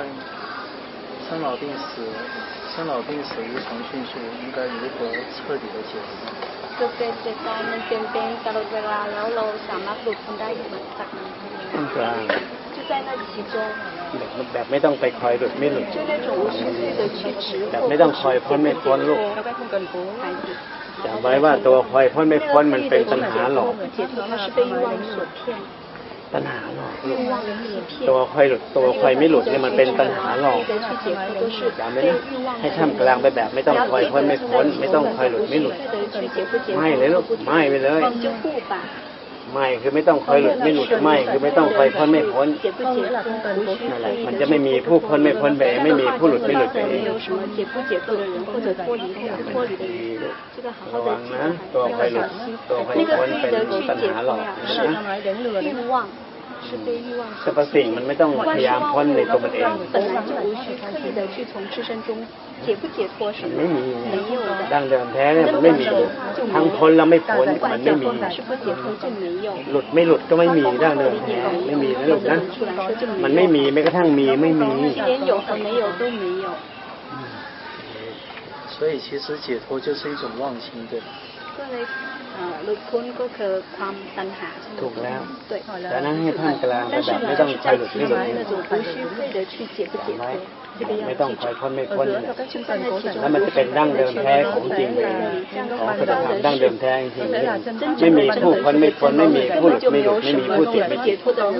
问生老病死无常迅速，应该如何彻底的解脱？ คือเป็นเหตุการณ์มันเปลี่ยนแปลงตลอดเวลาแล้วเราสามารถหลุดพ้นได้จากมันกลาง就在那其中แบบไม่ต้องไปคอยหลุดไม่หลุด就那种无需费的去执惑แบบไม่ต้องคอยพ้นไม่พ้นลูกจำไว้ว่าตัวคอยพ้นไม่พ้นมันเป็นตัณหาหลอกตัณหาหลอกตัวคอยหลุดตัวคอยไม่หลุดเนี่ยมันเป็นตัณหาหลอกจำไว้นะให้ท่ามกลางไปแบบไม่ต้องคอยพ้นไม่พ้นไม่ต้องคอยหลุดไม่หลุดไม่เลยลูกไม่ไปเลยไม่คือไม่ต้องคอยหลุดไม่หลุดไม่คือไม่ต้องคอยพ้นไม่พ้นนั่นแหละมันจะไม่มีผู้พ้นไม่พ้นไปไม่มีผู้หลุดไม่หลุดไปเองระวังนะตัวคอยหลุดตัวคอยพ้นเป็นปัญหาหลอกนะสรรพสิ่งมันไม่ต้องพยายามพ้นในตัวมันเองไม่มีดั้งเดิมแท้เนี่ยมันไม่มีทั้งพ้นแล้วไม่พ้นมันไม่มีหลุดไม่หลุดก็ไม่มีดั้งเดิมแท้ไม่มีนะลูกนะมันไม่มีแม้กระทั่งมีไม่มี所以其实解脱就是一种忘心，对吧？ หลุดพ้นก็คือความตัณหาถูกแล้วแต่นั้นให้ท่ามกลางแบบไม่ต้องคอยหลุดไม่หลุดไม่ต้องคอยพ้นไม่พ้นแล้วมันจะเป็นดั้งเดิมแท้ของจริงของสัจธรรมดั้งเดิมแท้จริงไม่มีผู้พ้นไม่พ้นไม่มีผู้หลุดไม่หลุดไม่มีผู้ติดไม่ติด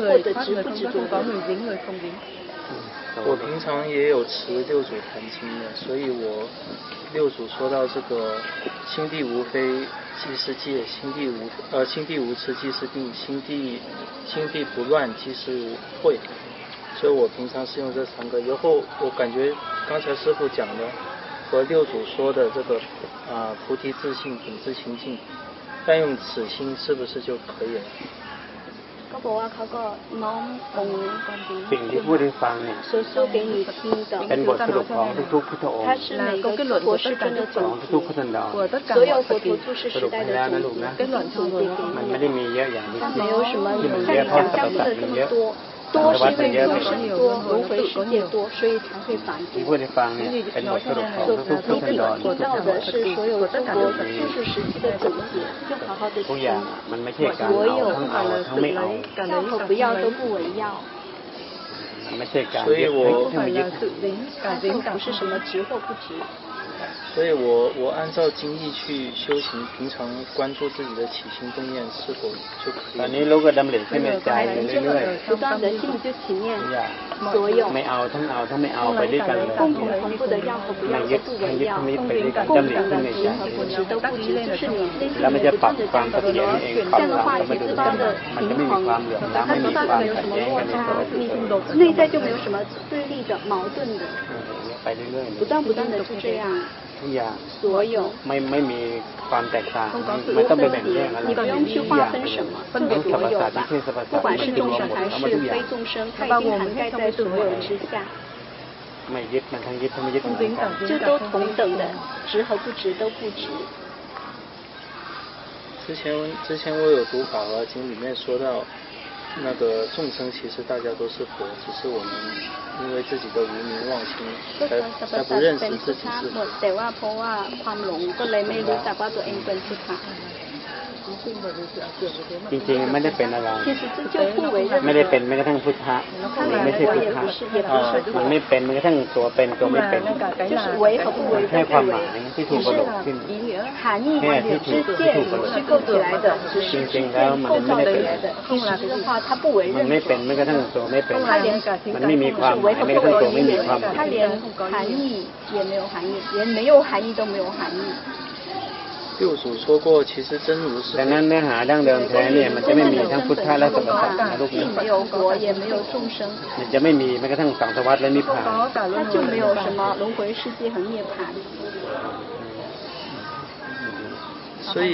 我平常也有持六祖坛经的，所以我六祖说到这个心地无非即是戒，心地无痴即是定，心地不乱即是慧，所以我平常是用这三个。以后我感觉刚才师父讲的和六祖说的这个菩提自性品质清净，但用此心是不是就可以了？ ก็บอกว่าเขาก็น้อมองค์สิ่งที่พูดให้ฟังเนี่ยเป็นบทสรุปของทุกๆพุทธองค์ของทุกๆพุทธันดรสรุปให้แล้วนะลูกนะมันไม่ได้มีเยอะอย่างที่คิดที่มันเยอะเพราะสรรพสัตว์มันเยอะ多是因为众生多，轮回世界多，所以才会繁多。 ที่พูดให้ฟังเนี่ยเป็นบทสรุปของทุกๆพุทธันดร提到的是所有中国诸事时期的总结，就好好的ทุกอย่างมันไม่ใช่การเอาทั้งเอาทั้งไม่เอา要和不要都不为要。 มันไม่ใช่การยึดทั้งไม่ยึด不是什么执或不执。 所以我按照经义去修行，平常关注自己的起心动念是否就可以。 ตอนนี้ลูกก็ดำริขึ้นในใจเรื่อยๆ不断的心里就起念所有ไม่เอาทั้งเอาทั้งไม่เอาไปด้วยกันเลย共同同步的要和不要都不为要共同的执和不执都不执就是你内心แล้วมันจะปรับความเสถียรเองปรับความสมดุลมันจะไม่มีความเหลื่อมล้ำไม่มีความขัดแย้งกันในตัว内在就没有什么对立的矛盾的ไปเรื่อยๆ不断的就这样ทุกอย่าง所有ไม่มีความแตกต่างไม่ต้องไปแบ่งแยกอะไร你不用去划分什么分别所有吧不管是众生还是非众生它已经涵盖在所有之下ไม่ยึดมันทั้งยึดทั้งไม่ยึด就都同等的执和不执都不执之前我有读《法华经》，里面说到那个众生其实大家都是佛，只是我们因为自己的无明忘心才不认识自己是佛。 แต่ว่าเพราะว่าความหลงก็เลยไม่รู้จักว่าตัวเองเป็นพุทธะจริงๆไม่ได้เป็นอะไรไม่ได้เป็นแม้กระทั่งพุทธะมันไม่ใช่พุทธะมันไม่เป็นแม้กระทั่งตัวเป็นตัวไม่เป็นแค่ความหมายที่ถูกประโลกขึ้นแค่ที่ถูกประโลกจริงๆแล้วมันไม่ได้เป็นมันไม่เป็นแม้กระทั่งตัวไม่เป็นมันไม่มีความหมายแม้กระทั่งตัวไม่มีความหมาย六祖说过，其实真如是。 ดังนั้นเนื้อหาดั้งเดิมแท้เนี่ยมันจะไม่มีทั้งพุทธะและสรรพสัตว์นะลูกนี้มันจะไม่มีแม้กระทั่งสังสารวัฏและนิพพาน它就没有什么轮回世界和涅槃所以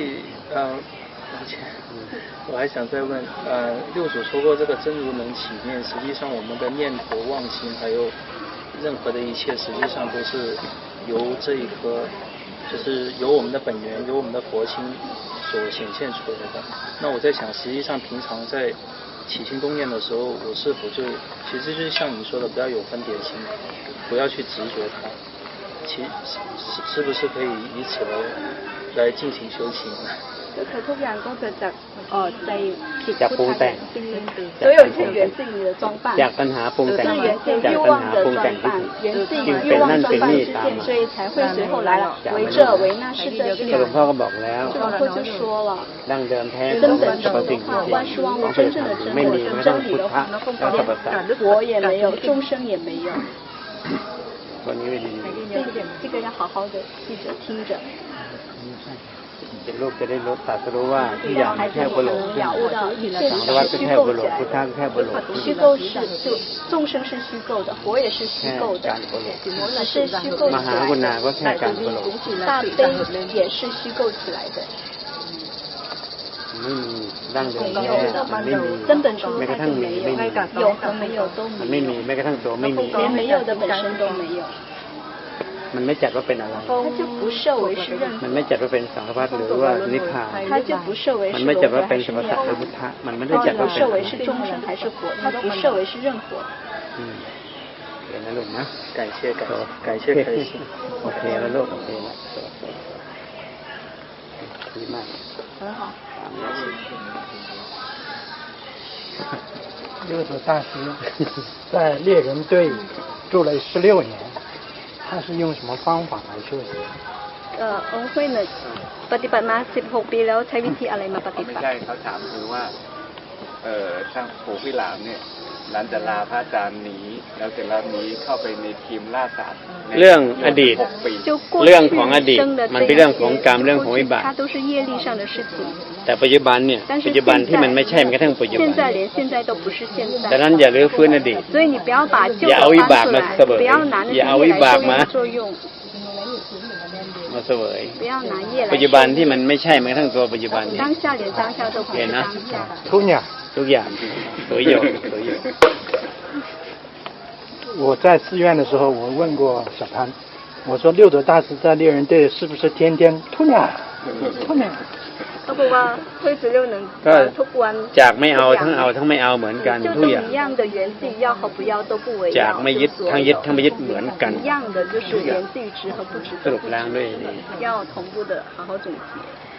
我还想再问六祖说过这个真如能起念，实际上我们的念头妄心还有任何的一切实际上都是由这一颗就是由我们的本源由我们的佛心所显现出来的。那我在想实际上平常在起心动念的时候，我是否就其实就是像你说的，不要有分别心，不要去执着它，是不是可以以此来进行修行呢？ ก็คือทุกอย่างก็เกิดจากใจผิดจากปรุงแต่ง所有一切源自于你的装扮จากตัณหาปรุงแต่ง是源自于จาก欲ตัณ望หา的ปรุง装แต่งที่扮ถูก源自于จึง欲เป็น望นั่น装เป็น扮นี่之ตาม见มา所以才会随后来了为这为那是这是หลวงพ่อก็บอกแล้ว这龙婆就说了ดั้งเดิมแท้ข根อง本สรรพ真สิ่ง的ที่话จริง万事万物ของ真正的真ไม่มี我แม้是กระทั่ง真理พุท的ธะ话และสรรพสัตว์连我也没有众生也没有วันนี้ไม่ดี这个要好好的记着听着เป็นลูกจะได้รู้ตรัสรู้ว่าทุกอย่าง孩子แค่我บุ们รุษ能了悟到一切สังสารวัฏ是ก็虚แค่构บุรุ起ษพุทธะ来ก็แค่บุรุษ虚构是就众生是虚构的佛也是虚แค่构的การบุรุษ只是虚构ม起หากรุณา来ก็แค่การบุรุษ的大悲也是虚构起来的ไม่มีดั้งเดิมแท้มันไม่มี根本出แม้กระ它ทั่ง就มี没ไม่มี有有和没有都มัน没ไม่有มีแม้กระทั่งตัวไม่มี连没有的本身都没有มันไม่จัดว่าเป็นอะไร它就不设为是任มัน何ไม่จัดว่าเป็นสังสารวัฏหรือว่านิพพาน它就不设为มัน是ไม่轮จัด回ว่า还เป็น是สรรพ涅สัตว์หรือ槃พุทธะมันไม่ได้จัด它ว่า不เป็น设为是众生还是佛它不设为是任何เห็นนะลูกนะ感谢开心โอเคแล้วลูกโอเคแล้วดีมาก很好六祖大师在猎人队住了16年，他是用什么方法来修行？ องค์ห้วยหนึ่งปฏิบัติมา16 ปีแล้วใช้วิธีอะไรมาปฏิไม่บัติใช่เขาถามคือว่าช่างปู่พี่หลามเนี่ยหลังจากลาพระอาจารย์หนีแล้วเสร็จแล้วหนีเข้าไปในทีมล่าสัตว์เรื่องอดีต 6 ปีเรื่องของอดีตมันเป็นเรื่องของกรรมเรื่องของวิบาก它都是业力上的事情แต่ปัจจุบันเนี่ยปัจจุบันที่มันไม่ใช่มันกระทั่งปัจจุบัน现在连现在都不是现ดัง在นั้นอย่าลื้อฟื้นอดีต所以你不要把旧อย่า的เอาวิบา搬ก出มา来เสวย不要拿那些อย่าเอา业วิบาก来มา作用มาเสวย不要拿业来ปัจจุบันที่มันไม่ใช่มันกระทั่งตัวปัจจุบันเนี่ย当下连当下都不是当下突鸟， ทุกอย่างสวยอยู่สวยอยู่我在寺院的时候，我问过小潘，我说六祖大师在猎人队是不是天天突鸟，突鸟？ เขาบอกว่าห้วยสุเร็วหนึ่งก็ทุกวันจากไม่เอาทั้งเอาทั้งไม่เอาเหมือนกัน就ทุ都กอย่าง一样的源自于要和不要都不为จาก要ไม่ยึดทั้งยึดทั้งไม่ยึดเหมือนกัน一样的就是源自于执和不执สรุปแล้วด้วยดี要同步的好好总结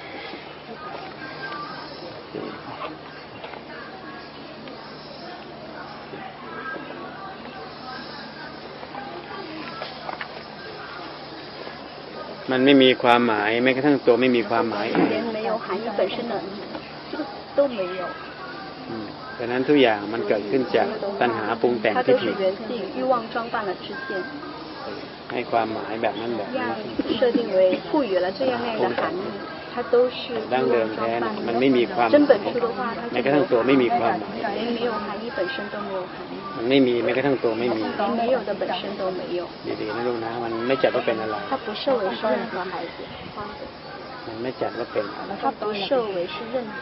มันไม่มีความหมายแม้กระทั่งตัวไม่มีความหมาย连没有含义本身的这个都没有ดังนั้นทุกอย่างมันเกิดขึ้นจากตัณหาปรุงแต่ง它ที่都是ผิด源自于欲望装扮了之见ให้ความหมายแบบนั้นแบบ这นี้样设定为赋予了这样那样的含义它都是ดั้งเดิมแท้น่ะมันไม่มีความห真มาย本初的话它แม้就กระทั่งตัวไม่มีความหมาย连没有含义本身都没有含义มันไม่มีแม้กระทั่งตัวไม่มี连没有的本身都没有ดีๆนะลูกนะมันไม่จัดว่าเป็นอะไร它不设为是任何孩子มันไม่จัดว่าเป็นอะไร它不设为是任何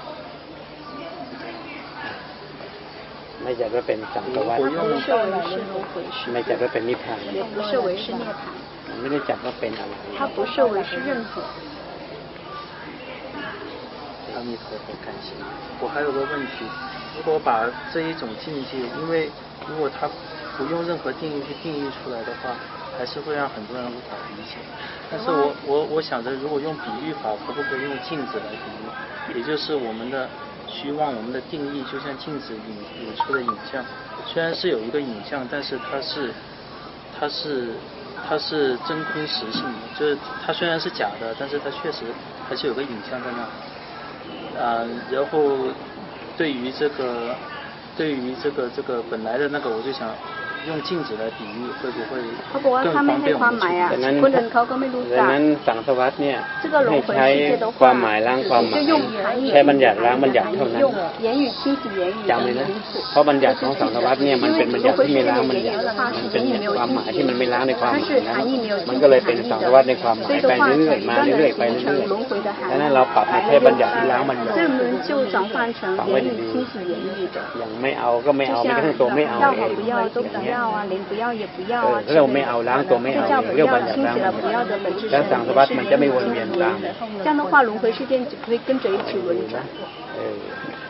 ไม่จัดว่าเป็นสังสารวัฏ它不设为是轮回是ไม่จัดว่าเป็นนิพพาน也不设为是涅槃มันไม่ได้จัดว่าเป็นอะไร它不设为是任何阿弥陀佛，感谢。我还有个问题，如果把这一种境界，因为如果他不用任何定义去定义出来的话，还是会让很多人无法理解。但是我想着，如果用比喻法，可不可以用镜子来比喻？也就是我们的虚妄，我们的定义就像镜子引出的影像，虽然是有一个影像，但是它是真空实性的，就是它虽然是假的，但是它确实还是有个影像在那。然后对于这个本来的那个，我就想用镜子来比喻，会不会เขาบอกว่าถ้าไม่ให้ความหมายอ่ะคนอื่นเขาก็ไม่รู้ดัจังกนั้นสังสารวัฏเนี่ย这个轮ให้回ใช้世界的ความห话มายล้างความหมาย就用含义ใช้บัญญัติล้างบัญญัติเท่านั้น用言语清洗言语จำเลยนะเพราะบัญญัติของสังสารวัฏเนี่ยมันเป็นบัญญัติที่ไม่ล้างบัญญัติมันเป็นความหมายที่มันไม่ล้างในความหมายนะมันก็เลยเป็นสังสารวัฏในความหมายไปเรื่อยๆมาเรื่อยๆไปเรื่อยๆดังนั้นเราปรับมาแค่บัญญัติที่ล้างบัญญัติ这门就转换成言语清洗言语的อย่างไม่เอาก็ไม่就เอาไม่像กระทั่งตัวไม่เอา要เอ和ง不要都不要啊连不要也不要啊ถ้าเราไม่เอาล้างตัวไม่เอา就叫不เรียก要บัญญัติ清ล้าง洗บั了ญ不ญั要ติ的本质แล้วสังสารวัฏมันจะไม่วนเวียนตาม这样的话轮回事件只会跟着一起轮转เออ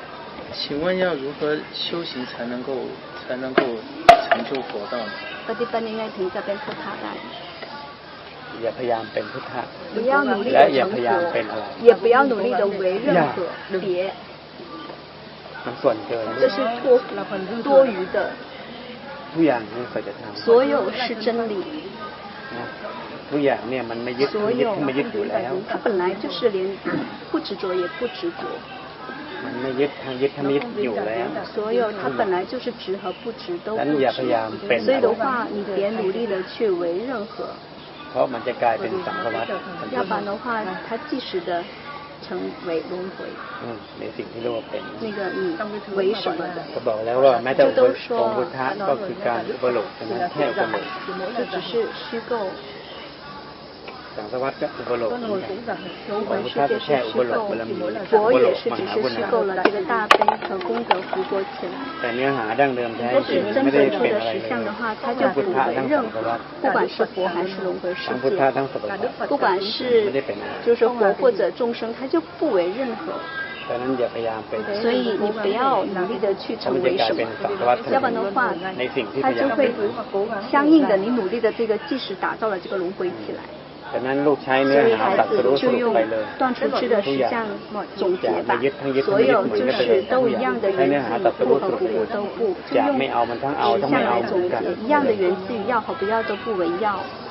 请问要如何修行才能够成就佛道呢？ ปฏิบัติยังไงถึงจะเป็นพุทธะได้？ อย่าพยายามเป็นพุทธะ不要努力และ的อย่าพยายาม成เป็นอะไร佛，也不要努力的为任何别， มันส่วนเกิน这是多余的。 ทุกอย่างนี่สัจธรรม所有是真理。 นะทุกอย่างเนี่ยมันไม่ยึดไม่ยึดอยู่แล้ว它本来就是连不执着也不执着。 มันไม่ยึดทางยึดทั้งยึดอยู่แล้ว所有它本来就是执和不执都不อย่าพยายามเป็น所以的话你别努力的去为任何เพราะมันจะกลายเป็นสังสารวัฏ要不然的话它即时的成为轮回ในสิ่งที่เรียกว่าเป็น那个你为什么的ก็บอกแล้วว่าแม้แต่องค์พุทธะก็คือการอุปโลกใช่ไหมแค่อุปโลก这只是虚构สังสารวัฏก็อุปโลก轮回世界是虚构佛也是只是虚构了这个大悲和功德复活起来แต่เนื้อหาดั้งเดิมแท้จริง真ไม่ได้正เป็น的อะไร实相的话它就不为任何不管是佛还是轮回世界不管是就是佛或者众生它就不为任何所以你不要努力的去成为什么要不然的话它就会相应的你努力的这个即使打造了这个轮回起来ฉะนั้นลูกใช้เนื้อหาตัดสรุปไปเลย断出去的实相总结吧所有就是都一样的缘起不和不都不就用ไม่เอามันทั้งเอาทั้งไม่เอา总结一样的缘起与要和不要都不为要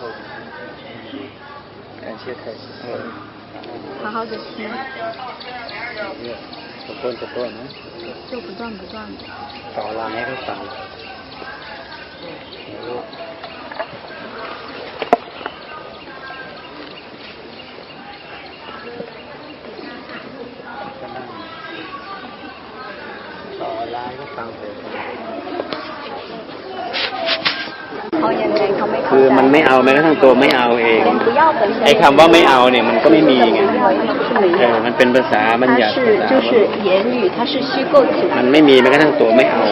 感谢开始好好的听就不断的ต่อรางให้เขาฟังต่อรางให้ฟังคือมันไม่เอาแม้กระทั่งตัวไม่เอาเองไอ้คำว่าไม่เอาเนี่ยมันก็ไม่มีไงมันเป็นภาษาบัญญัติมันไม่มีแม้กระทั่งตัวไม่เอา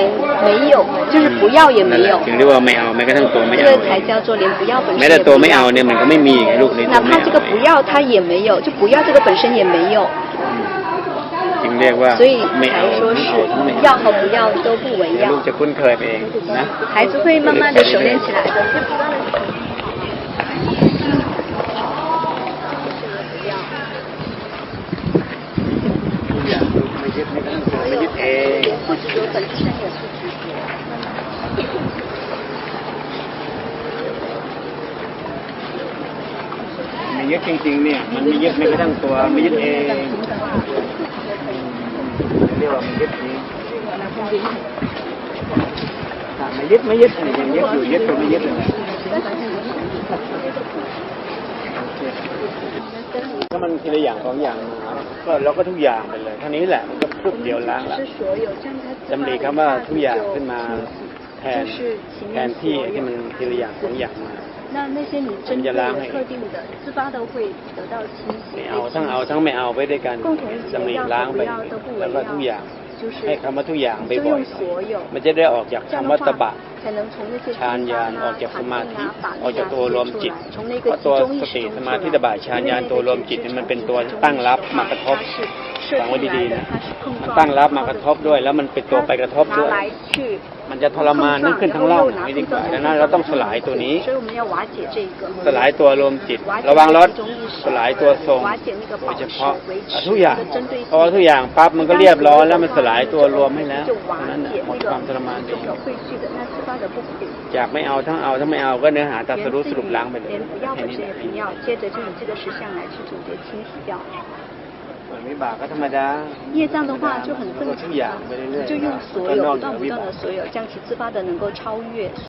ถึงเรียกว่าไม่เอาแม้กระทั่งตัวไม่เอาแม้แต่ตัวไม่เอาเนี่ยมันก็ไม่มีลูกในตัวไม่เอาจึงเรียกว่าไม่เอา要和不要都不为要ลูกจะคุ้นเคยไปเองนะ孩子会慢慢的熟练起来的ไม่ยึดเอง不执着本身也不执着ไม่ยึดจริงๆเนี่ยมันไม่ยึดไม่กระทั่งตัวไม่ยึดเองเรียกว่าไม่ยึดเองไม่ยึดอะไรอย่างยึดอยู่ยึดตัวไม่ยึดเลยถ้ามันทีละอย่างสองอย่างก็เราก็ทุกอย่างไปเลยเท่านี้แหละมันก็ปุ๊บเดียวล้างละจำดีคำว่าทุกอย่างขึ้นมาแทนที่ที่มันทีละอย่างสองอย่างมา那些你针对特定的自发的会得到清洗ไม่เอาทั้งไม่เอาไปด้วยกันจำดีล้างไปแล้วก็ทุกอย่างให้คำว่าทุกอย่างไปบ่อยๆมันจะได้ออกจากคำว่าตบะฌานญาณออกจากสมาธิออกจากตัวรวมจิตเพราะตัวสติสมาธิตบะฌานญาณตัวรวมจิตมันเป็นตัวตั้งรับมากระทบฟังไว้ดีๆนะมันตั้งรับมากระทบด้วยแล้วมันเป็นตัวไปกระทบด้วยมันจะทรมานนึกขึ้นทั้งเล่าไม่ดีกว่าดังนั้นเราต้องสลายตัวนี้สลายตัวรวมจิตระวังรถสลายตัวทรงโดยเฉพาะทุกอย่างพอทุกอย่างปั๊บมันก็เรียบร้อยแล้วมันสลายตัวรวมให้แล้วนั้นหมดความทรมานเองจากไม่เอาทั้งไม่เอาก็เนื้อหาตัดสรุปล้างไปเลยแค่นี้วิบากก็ธรรมดา业障的话就很正常就用所有不断的所有将其自发的能够超越